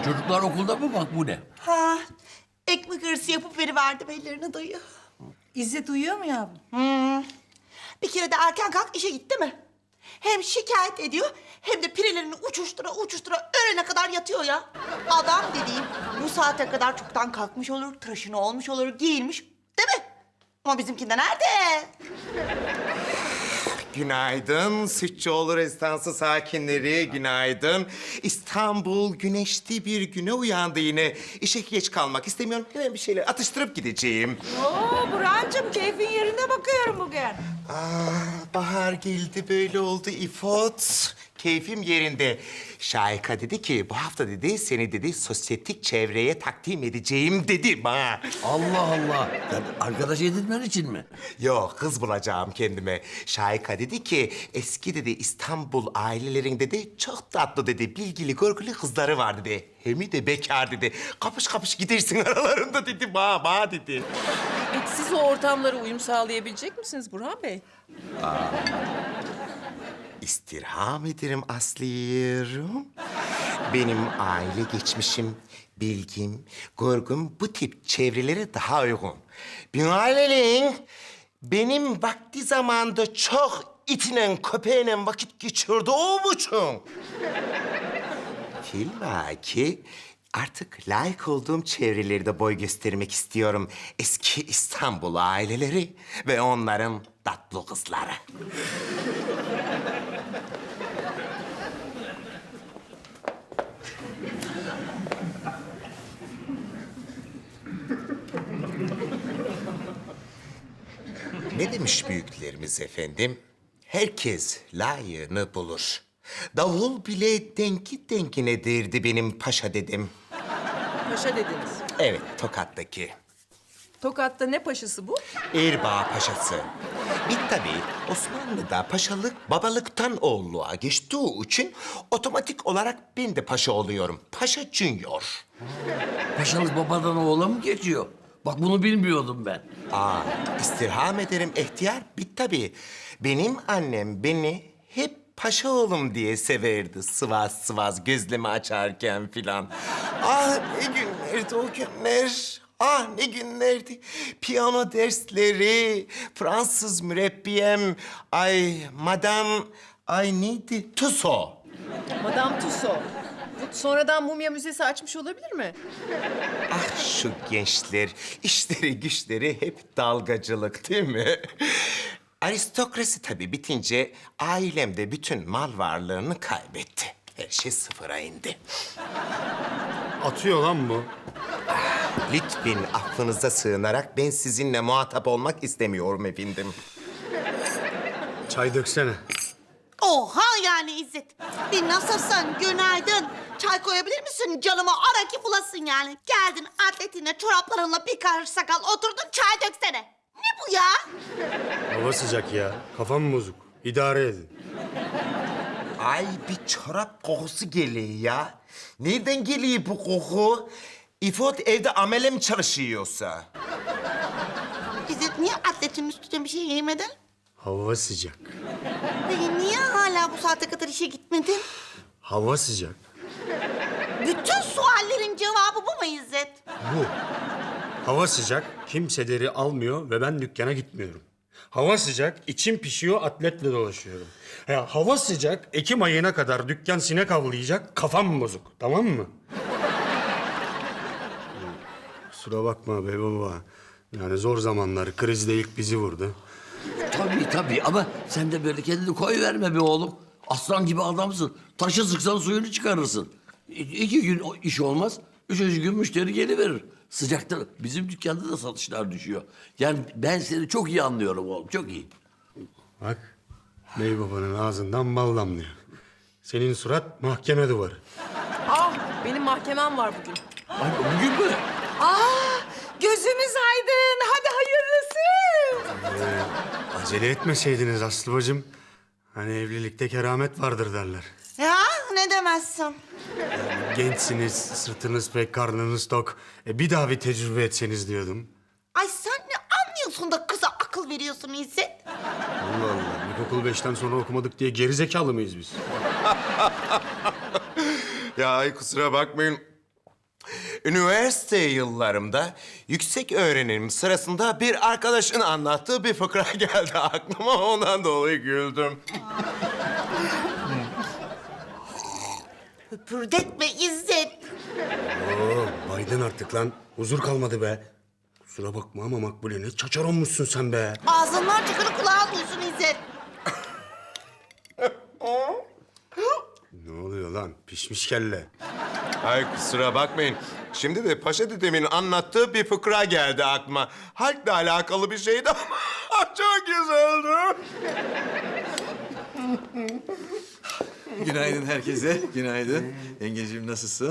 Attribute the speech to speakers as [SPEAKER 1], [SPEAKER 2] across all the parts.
[SPEAKER 1] Çocuklar okulda mı bak bu ne?
[SPEAKER 2] Ha, ekmek arası yapıp veriverdim ellerine dayı.
[SPEAKER 3] İzzet uyuyor mu yavrum?
[SPEAKER 2] Bir kere de erken kalk işe gitti mi? Hem şikayet ediyor hem de pirelerini uçuştura uçuştura öğlene kadar yatıyor ya. Adam dediğim bu saate kadar çoktan kalkmış olur, tıraşını olmuş olur, giyinmiş değil mi? Ama bizimkinde nerede?
[SPEAKER 4] Günaydın Sütçüoğlu Rezidansı sakinleri, günaydın. İstanbul güneşli bir güne uyandı yine. İşe geç kalmak istemiyorum. Hemen bir şeyler atıştırıp gideceğim.
[SPEAKER 3] Oo Burhan'cığım keyfin yerinde bakıyorum bugün.
[SPEAKER 4] Bahar geldi böyle oldu İfot. Keyfim yerinde. Şahika dedi ki bu hafta dedi seni dedi sosyetik çevreye takdim edeceğim dedi bana.
[SPEAKER 1] Allah Allah. Yani arkadaş edinmen için mi?
[SPEAKER 4] Yok kız bulacağım kendime. Şahika dedi ki eski dedi İstanbul ailelerin dedi çok tatlı dedi bilgili görgülü kızları var dedi. Hem de bekar dedi. Kapış kapış gidersin aralarında dedi bana dedi.
[SPEAKER 5] Peki siz o ortamlara uyum sağlayabilecek misiniz Burhan Bey?
[SPEAKER 4] İstirham ederim Aslı'yım. Benim aile geçmişim, bilgim, görgüm bu tip çevrelere daha uygun. Binaenaleyh benim vakti zamanda çok itinen köpeğine vakit geçirdiğim için... Filmaki artık layık olduğum çevrelerde boy göstermek istiyorum. Eski İstanbul aileleri ve onların tatlı kızları. Ne demiş büyüklerimiz efendim? Herkes layığını bulur. Davul bile denki denkine derdi benim paşa dedim.
[SPEAKER 5] Paşa dediniz.
[SPEAKER 4] Evet, Tokat'taki.
[SPEAKER 5] Tokat'ta ne paşası bu?
[SPEAKER 4] Erbaa Paşası. Bir tabii Osmanlı'da paşalık babalıktan oğulluğa geçtiği için otomatik olarak ben de paşa oluyorum. Paşa Junior.
[SPEAKER 1] Paşalık babadan oğula mı geçiyor? Bak bunu bilmiyordum ben.
[SPEAKER 4] İstirham ederim ihtiyar. Bir tabii benim annem beni hep paşa oğlum diye severdi. Sıvaz sıvaz gözlemi açarken filan. Ah ne günlerdi o günler. Ah ne günlerdi. Piyano dersleri, Fransız mürebbiyem, ay madam, ay neydi? Tuso.
[SPEAKER 5] Madame Tussauds. Bu sonradan mumya müzesi açmış olabilir mi?
[SPEAKER 4] Ah şu gençler, işleri güçleri hep dalgacılık değil mi? Aristokrasi tabii bitince ailem de bütün mal varlığını kaybetti. Her şey sıfıra indi.
[SPEAKER 6] Atıyor lan bu.
[SPEAKER 4] Lütfen affınıza sığınarak ben sizinle muhatap olmak istemiyorum efendim.
[SPEAKER 6] Çay döksene.
[SPEAKER 2] Oha yani İzzet. Bir nasılsın? Günaydın. Çay koyabilir misin? Canıma ara ki bulasın yani. Geldin atletine, çoraplarınla bir karış sakal oturdun çay döksene. Ne bu ya?
[SPEAKER 6] Hava sıcak ya. Kafam bozuk. İdare edin.
[SPEAKER 4] Ay bir çorap kokusu geliyor ya. Nereden geliyor bu koku? İfot evde amele mi çalışıyorsa?
[SPEAKER 2] İzzet niye atletin üstüne bir şey giymedin?
[SPEAKER 6] Hava sıcak.
[SPEAKER 2] Peki niye hala bu saate kadar işe gitmedin?
[SPEAKER 6] Hava sıcak.
[SPEAKER 2] Bütün suallerin cevabı bu mu İzzet?
[SPEAKER 6] Bu. Hava sıcak. Kimseleri almıyor ve ben dükkana gitmiyorum. Hava sıcak. İçim pişiyor. Atletle dolaşıyorum. Ya hava sıcak. Ekim ayına kadar dükkan sinek avlayacak. Kafam bozuk. Tamam mı? Kusura bakma be baba. Yani zor zamanlar. Krizde ilk bizi vurdu.
[SPEAKER 1] Tabii ama sen de böyle kendini koy verme be oğlum. Aslan gibi adamsın. Taşı sıksan suyunu çıkarırsın. 2 gün iş olmaz. 3. gün müşteri geliverir. Sıcakta bizim dükkanda da satışlar düşüyor. Yani ben seni çok iyi anlıyorum oğlum, çok iyi.
[SPEAKER 6] Bak. Bey babanın ağzından bal damlıyor. Senin surat mahkeme duvarı.
[SPEAKER 5] Benim mahkemem var bugün.
[SPEAKER 1] Ay, bugün mü?
[SPEAKER 3] Gözümüz aydın. Hadi hayırlısı.
[SPEAKER 6] Acele etmeseydiniz Aslı bacım. Hani evlilikte keramet vardır derler.
[SPEAKER 2] Ya ne demezsin?
[SPEAKER 6] Gençsiniz, sırtınız pek, karnınız tok. Bir daha bir tecrübe etseniz diyordum.
[SPEAKER 2] Ay sen ne anlıyorsun da kıza akıl veriyorsun İzzet?
[SPEAKER 6] Allah Allah, ilkokul 5'ten sonra okumadık diye gerizekalı mıyız biz?
[SPEAKER 4] Ya ay kusura bakmayın. Üniversite yıllarımda yüksek öğrenim sırasında bir arkadaşın anlattığı bir fıkra geldi aklıma. Ondan dolayı güldüm.
[SPEAKER 2] Höpürdetme İzzet.
[SPEAKER 6] Oo, baydın artık lan. Huzur kalmadı be. Kusura bakma ama Makbule ne çaçar olmuşsun sen be.
[SPEAKER 2] Ağzından çıkanı kulağın duysun İzzet.
[SPEAKER 6] Ne oluyor lan? Pişmiş kelle.
[SPEAKER 4] Ay kusura bakmayın. Şimdi de Paşa dedemin anlattığı bir fıkra geldi aklıma. Halkla alakalı bir şeydi ama çok güzeldi.
[SPEAKER 7] Günaydın herkese. Günaydın. Yengeciğim nasılsın?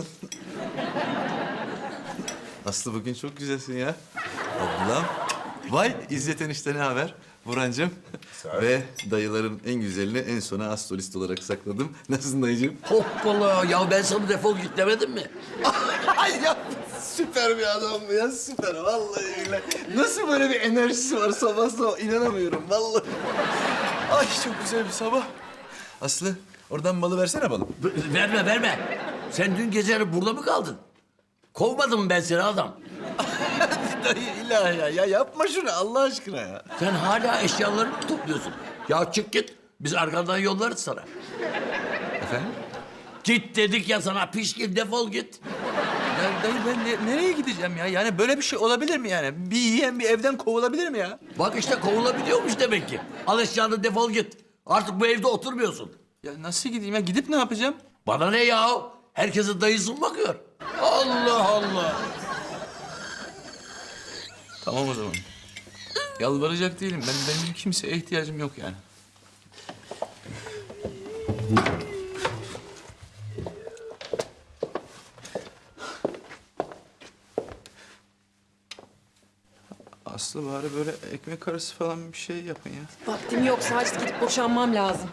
[SPEAKER 7] Aslı bugün çok güzelsin ya. Ablam. Vay İzzet enişte ne haber? Burhancığım. Ve dayıların en güzelini en sona astrolist olarak sakladım. Nasılsın dayıcığım?
[SPEAKER 1] Hoppala ya ben sana defol git demedim mi?
[SPEAKER 7] Ay ya süper bir adam bu ya süper vallahi öyle. Nasıl böyle bir enerjisi var sabah sabah inanamıyorum vallahi. Ay çok güzel bir sabah. Aslı oradan balı versene balım.
[SPEAKER 1] Verme verme. Sen dün gece burada mı kaldın? Kovmadım mı ben seni adam?
[SPEAKER 7] Dayı ilahi ya yapma şunu Allah aşkına ya.
[SPEAKER 1] Sen hala eşyalarını mı topluyorsun? Ya çık git. Biz arkandan yollarız sana.
[SPEAKER 7] Efendim?
[SPEAKER 1] Git dedik ya sana pişkin defol git.
[SPEAKER 7] Ya dayı ben nereye gideceğim ya? Yani böyle bir şey olabilir mi yani? Bir yiyen bir evden kovulabilir mi ya?
[SPEAKER 1] Bak işte kovulabiliyormuş demek ki. Al eşyanı defol git. Artık bu evde oturmuyorsun.
[SPEAKER 7] Ya nasıl gideyim ya? Gidip ne yapacağım?
[SPEAKER 1] Bana ne ya? Herkese dayısı mı bakıyor? Allah Allah.
[SPEAKER 7] Tamam o zaman. Yalvaracak değilim. Benim kimseye ihtiyacım yok yani. Aslı bari böyle ekmek arası falan bir şey yapın ya.
[SPEAKER 5] Vaktim yok. Sadece gidip boşanmam lazım.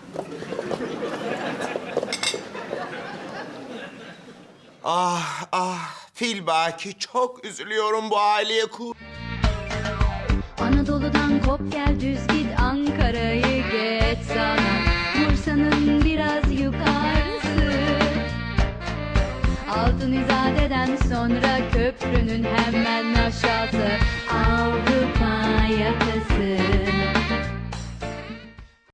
[SPEAKER 4] Ah ah Filbaki çok üzülüyorum bu aileye
[SPEAKER 8] Anadolu'dan kop gel düz git Ankara'yı geç sana Bursa'nın biraz yukarısı Altın İzade'den sonra köprünün hemen aşağısı Avrupa yakası